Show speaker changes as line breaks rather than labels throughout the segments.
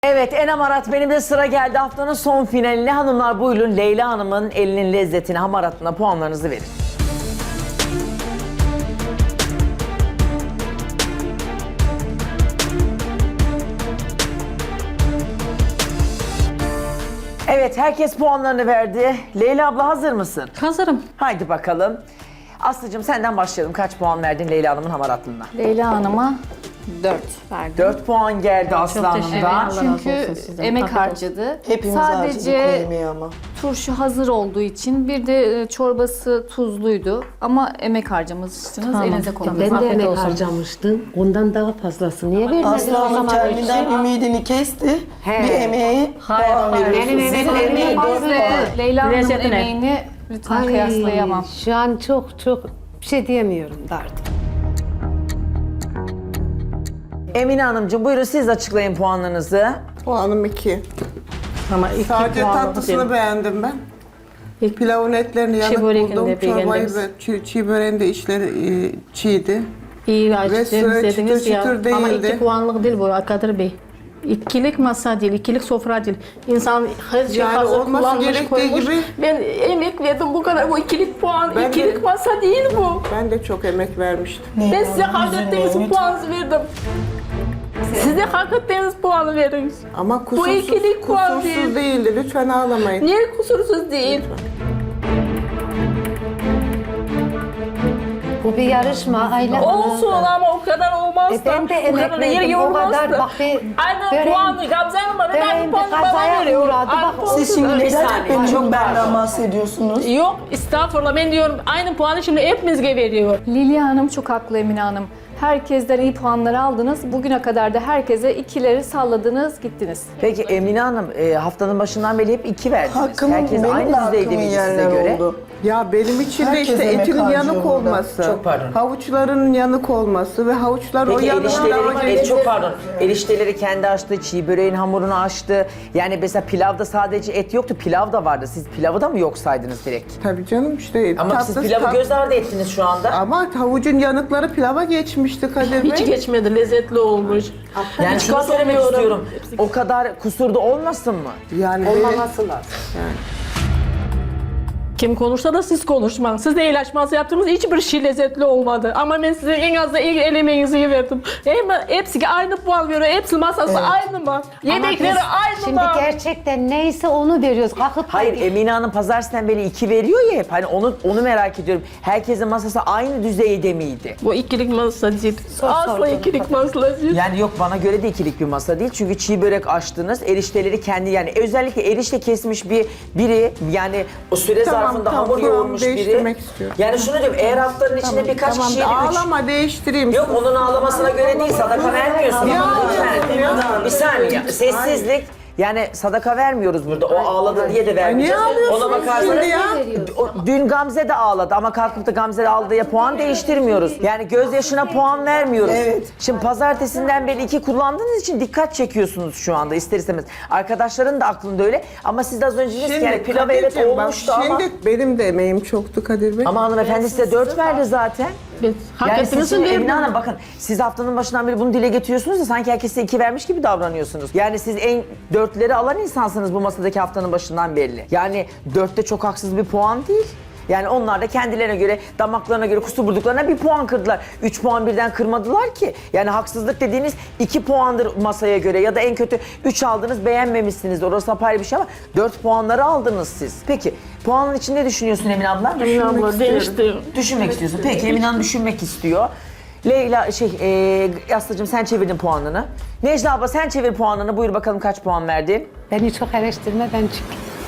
Evet, Enem Arat benim de sıra geldi haftanın son finaline. Hanımlar buyurun Leyla Hanım'ın elinin lezzetine, hamaratına puanlarınızı verin. Evet, herkes puanlarını verdi. Leyla abla hazır mısın?
Hazırım.
Haydi bakalım. Aslıcığım senden başlayalım. Kaç puan verdin Leyla Hanım'ın hamaratlığına?
Leyla Hanım'a 4 verdim.
4 puan geldi Aslı
teşekkür
Hanım'dan.
ederim. Çünkü emek harcadı.
Hepimiz harcadık o
Sadece
yemeği ama.
turşu hazır olduğu için bir de çorbası tuzluydu. Ama emek harcamışsınız. Elinize koydunuz.
Ben de
Afiyet
emek
olsun.
harcamıştım. Ondan daha fazlası. Niye vermedin o
Aslı Hanım
zaman?
kendinden ümidini kesti.
He.
Bir emeği puan veriyorsunuz.
Benim
Sizin
emeğim
emeği
olmaz
4
Ve
puan.
Leyla Hanım'ın
Lezzetine.
emeğini lütfen kıyaslayamam.
Şu an çok bir şey diyemiyorum da artık.
Emine Hanımcığım buyurun siz açıklayın puanlarınızı.
Puanım 2.
Ama iki
Sadece
puanlık
tatlısını
değil.
beğendim ben.
İlk
Pilavın etlerini yanık
börekini
buldum.
de
Çorbayı
beğendiniz.
ve çiğ böreğin de içleri çiğdi.
iyi
Ve
açtınız
süre
dediniz
çıtır
ya.
çıtır
Ama
değildi.
2 puanlık değil bu Kadir Bey. İkilik masa değil, ikilik sofra değil. İnsan her şey
Yani
hazır
olması
kullanmış,
gerektiği
koymuş.
gibi-
Ben emek verdim bu kadar. Bu ikilik puan,
Ben de-
ikilik masa değil bu.
Ben de çok emek vermiştim.
Ben size hak ettiğiniz puanı verdim. Size hak ettiğiniz puanı verin.
Ama kusursuz,
ikilik puan
kusursuz
değil.
değildi. Lütfen ağlamayın.
Niye kusursuz değil?
Bu bir yarışma Ayla Hanım.
Olsun ama o kadar olmaz da.
Ben de
o
emek
kadar yer
verdim. O
yormaz
kadar
da.
bak bir
Aynı puanı Gamze Hanım'a neden
böreğim
bu
bir
puanı bana
kazaya
veriyor?
uğradı.
Aynı
Bak,
puanı-
Siz şimdi
Bir
neden
saniye,
hep çok
çok
benden
pardon.
bahsediyorsunuz?
Yok estağfurullah ben diyorum aynı puanı şimdi hepimizge veriyor.
Lilya Hanım çok haklı Emine Hanım. Herkesten iyi puanları aldınız. Bugüne kadar da herkese ikileri salladınız, gittiniz.
Peki Emine Hanım haftanın başından beri hep 2 verdiniz.
Hakkımın,
Herkes
benim de
aynı düzeyde
hakkımın
miydi size
yerler
göre?
oldu. Ya benim için de
Herkes
işte
emek
etinin
harcıyor
yanık
burada.
olması,
Çok pardon.
havuçların yanık olması ve havuçlar o
Peki
yanığı
erişteleri, çok pardon, erişteleri kendi açtı, çiğ böreğin hamurunu açtı. Yani mesela pilavda sadece et yoktu, pilav da vardı. Siz pilavı da mı yok saydınız direkt?
Tabii canım işte.
Ama siz pilavı göz ardı ettiniz şu anda.
Ama havucun yanıkları pilava geçmişti Kadir Bey.
Hiç geçmedi lezzetli olmuş.
Yani
Hiç
şunu söylemek
katılmıyorum.
istiyorum. O kadar kusurda olmasın mı?
Yani
Olmaması lazım.
Kim konuşsa da siz konuşmayın. Siz de el açması yaptığınız hiçbir şey lezzetli olmadı. Ama ben size en az da el emeğinizi verdim. Hepsi aynı puan veriyor. Hepsi masası aynı mı? Yemekleri aynı
Şimdi
mı?
gerçekten neyse onu veriyoruz. Kalkıp da-
Hayır, Emine Hanım pazartesinden beri 2 veriyor ya hep. Hani onu merak ediyorum. Herkesin masası aynı düzeyde miydi?
Bu ikilik masa değil. Asla
sordum.
ikilik masa değil.
Yani yok bana göre de ikilik bir masa değil. Çünkü çiğ börek açtınız. Erişteleri kendi yani özellikle erişte kesmiş biri yani o süre
Tamam,
zarfında
tamam,
hamur
tamam,
yoğurmuş biri.
değiştirmek istiyorum.
Yani şunu diyorum eğer haftanın içinde birkaç
Tamam,
kişiye de üç.
ağlama değiştireyim.
Yok onun ağlamasına göre değil sadaka vermiyorsun.
Ya,
Lütfen.
ya.
Bir saniye sessizlik. Yani sadaka vermiyoruz burada. O ağladı diye de vermeyeceğiz.
Niye ağlıyorsunuz
Ona bakarsanız
şimdi ya?
dün Gamze de ağladı ama kalkıp da Gamze de aldığı puan değiştirmiyoruz. Yani gözyaşına puan vermiyoruz.
Evet.
Şimdi pazartesinden beri 2 kullandığınız için dikkat çekiyorsunuz şu anda ister istemez. Arkadaşların da aklında öyle ama siz de az önce dediniz ki yani pilav evet
Kadir'cim, bak,
olmuştu ama.
Şimdi benim de emeğim çoktu Kadir Bey.
Ama hanımefendi size 4 verdi zaten.
Biz hak
Yani siz
ettiniz
şimdi
mi?
Emine Hanım bakın siz haftanın başından beri bunu dile getiriyorsunuz da sanki herkes size 2 vermiş gibi davranıyorsunuz. Yani siz en 4'leri alan insansınız bu masadaki haftanın başından belli. Yani 4'te çok haksız bir puan değil. Yani onlar da kendilerine göre, damaklarına göre kusur bulduklarına bir puan kırdılar. 3 puan birden kırmadılar ki. Yani haksızlık dediğiniz 2 puandır masaya göre ya da en kötü 3 aldınız beğenmemişsiniz. Orası apayrı bir şey ama 4 puanları aldınız siz. Peki puanın için ne düşünüyorsun Emine abla?
Emine abla değişti.
Düşünmek istiyorsun. Peki Emine Hanım düşünmek istiyor. Leyla Aslı'cığım sen çevirdin puanını. Necla abla sen çevir puanını. Buyur bakalım kaç puan verdin?
Beni çok eleştirme ben çık.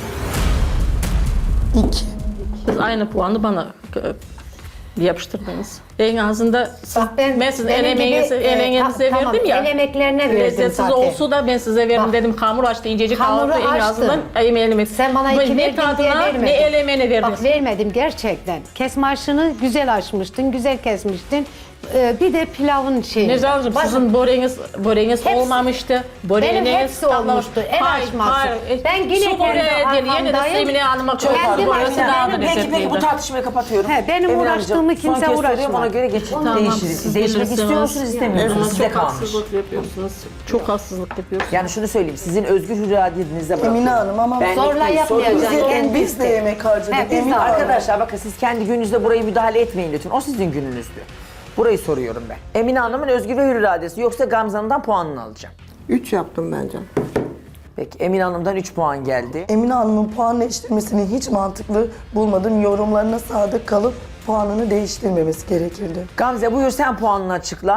2.
Siz aynı puanı bana yapıştırdınız. En azından
Bak
ben sizin
benim
emeğinizi
tamam,
verdim ya.
el emeklerine verdim
Lezzetsiz
zaten.
olsa da ben size verdim
Bak.
dedim. Hamur açtı, incecik
Hamuru
hamuru en
açtın.
azından emeğini.
Sen bana 2
ne
verdin diye
tadına
vermedin.
ne el emeğine verdiniz.
Bak vermedim gerçekten. Kesme aşını güzel açmıştın, güzel kesmiştin. Bir de pilavın şeyi.
Nezar'cığım sizin böreğiniz olmamıştı.
Benim hepsi olmuştu. El açması. Ben yine
Su böreği değil. Yine de
arkamdayım.
Emine Hanım'a çok
Kendim
burası
açtım.
daha da
Peki bu
lezzetliydi.
tartışmayı kapatıyorum.
He, benim
Emine
uğraştığımı
Hanımcığım,
kimse
son kez soruyorum,
uğraşmaz.
ona göre geçin.
Tamam,
Değiştiririz.
siz
Değişmek
bilirsiniz.
istiyor musunuz, istemiyor musunuz?
Ama
Size
çok
kalmış.
haksızlık yapıyorsunuz. Çok haksızlık yapıyorsunuz.
Yani şunu söyleyeyim, sizin özgür iradenizle bırakıyorum.
Emine Hanım ama
Ben
zorla
değil,
yapmayacağım.
soruyorum.
biz de yemek harcadık.
He, biz de
Emine Hanım.
Arkadaşlar bakın siz kendi gününüzde burayı müdahale etmeyin lütfen. O sizin gününüzdü. Burayı soruyorum ben. Emine Hanım'ın özgür ve hür iradesi yoksa Gamze Hanım'dan puanını alacağım.
3 yaptım bence.
Peki Emine Hanım'dan 3 puan geldi.
Emine Hanım'ın puan değiştirmesini hiç mantıklı bulmadım. Yorumlarına sadık kalıp puanını değiştirmemesi gerekirdi.
Gamze buyur sen puanını açıkla.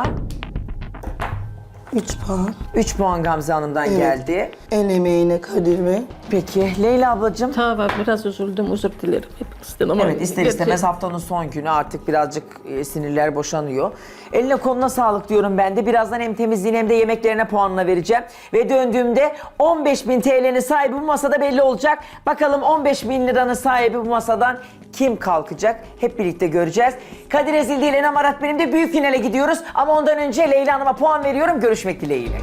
3 puan.
3 puan Gamze Hanım'dan
Evet.
geldi.
El emeğine Kadir Bey.
Peki Leyla ablacığım.
Tamam biraz üzüldüm, özür dilerim hepinizden ama...
Evet ister istemez haftanın son günü artık birazcık sinirler boşanıyor. Eline koluna sağlık diyorum ben de. Birazdan hem temizliğine hem de yemeklerine puanına vereceğim. Ve döndüğümde 15.000 TL'nin sahibi bu masada belli olacak. Bakalım 15.000 liranın sahibi bu masadan kim kalkacak? Hep birlikte göreceğiz. Kadir Ezildi ile Enem Arat benim de büyük finale gidiyoruz. Ama ondan önce Leyla Hanım'a puan veriyorum. Görüşmek dileğiyle.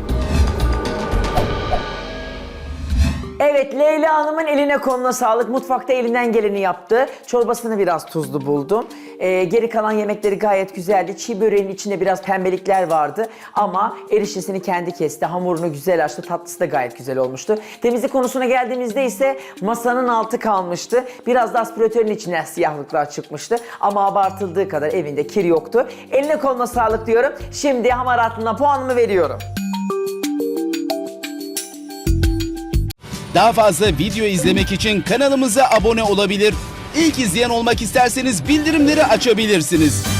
Evet, Leyla Hanım'ın eline koluna sağlık. Mutfakta elinden geleni yaptı. Çorbasını biraz tuzlu buldum. Geri kalan yemekleri gayet güzeldi. Çiğ böreğin içinde biraz pembelikler vardı. Ama eriştesini kendi kesti. Hamurunu güzel açtı. Tatlısı da gayet güzel olmuştu. Temizlik konusuna geldiğimizde ise masanın altı kalmıştı. Biraz da aspiratörün içine siyahlıklar çıkmıştı. Ama abartıldığı kadar evinde kir yoktu. Eline koluna sağlık diyorum. Şimdi hamaratına puanımı veriyorum.
Daha fazla video izlemek için kanalımıza abone olabilir. İlk izleyen olmak isterseniz bildirimleri açabilirsiniz.